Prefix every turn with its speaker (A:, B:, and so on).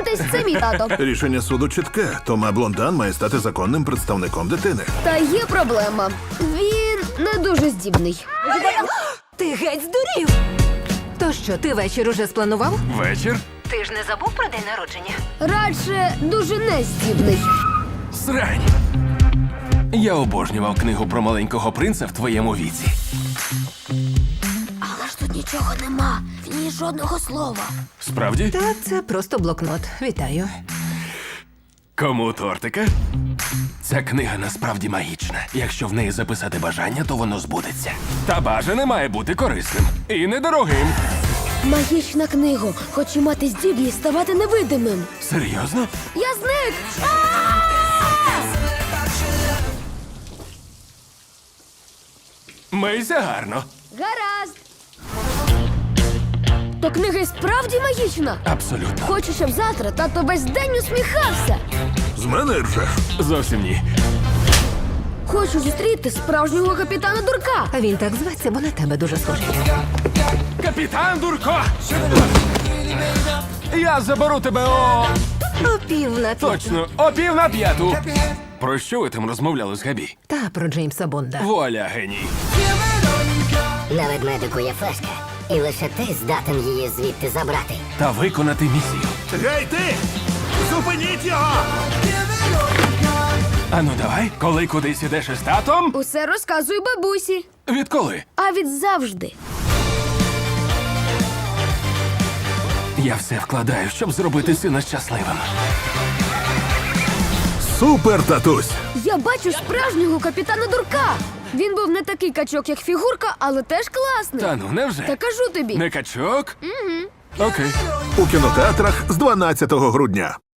A: Знайомтесь, це мій тато.
B: Рішення суду чітке. Тома Блондан має стати законним представником дитини.
A: Та є проблема. Він не дуже здібний.
C: Ти геть здурів! То що, ти вечір уже спланував?
D: Вечір?
C: Ти ж не забув про день народження?
A: Радше дуже нездібний.
D: Срань. Я обожнював книгу про маленького принца в твоєму віці.
A: Але ж тут нічого нема. В ній жодного слова.
D: Справді?
C: Та це просто блокнот. Вітаю.
D: Кому тортика? Ця книга насправді магічна. Якщо в неї записати бажання, то воно збудеться. Та бажане має бути корисним і недорогим.
A: Магічна книга. Хочу мати здібність ставати невидимим.
D: Серйозно?
A: Я зник!
D: Мийся гарно.
A: Гаразд. То книга і справді магічна.
D: Абсолютно.
A: Хочу, щоб завтра тато весь день усміхався.
B: З мене ржеш.
D: Зовсім ні.
A: Хочу зустріти справжнього капітана Дурка.
C: А він так зветься, бо на тебе дуже схожий.
D: Капітан Дурко! Я заберу тебе о...
C: О 4:50.
D: Точно, о 4:45. Про що ви там розмовляли з Габі?
C: Та про Джеймса Бонда.
D: Вуаля, геній.
E: На ведмедику є флешка, і лише ти здатен її звідти забрати.
D: Та виконати місію.
B: Гей, ти! Зупиніть його!
D: Ану давай, коли кудись ідеш із татом?
A: Усе розказую бабусі.
D: Відколи?
A: А від завжди.
D: Я все вкладаю, щоб зробити сина щасливим.
B: Супер, татусь!
A: Я бачу справжнього капітана Дурка. Він був не такий качок, як фігурка, але теж класний.
D: Та ну, невже?
A: Та кажу тобі.
D: Не качок? Угу. Окей.
B: У кінотеатрах з 12 грудня.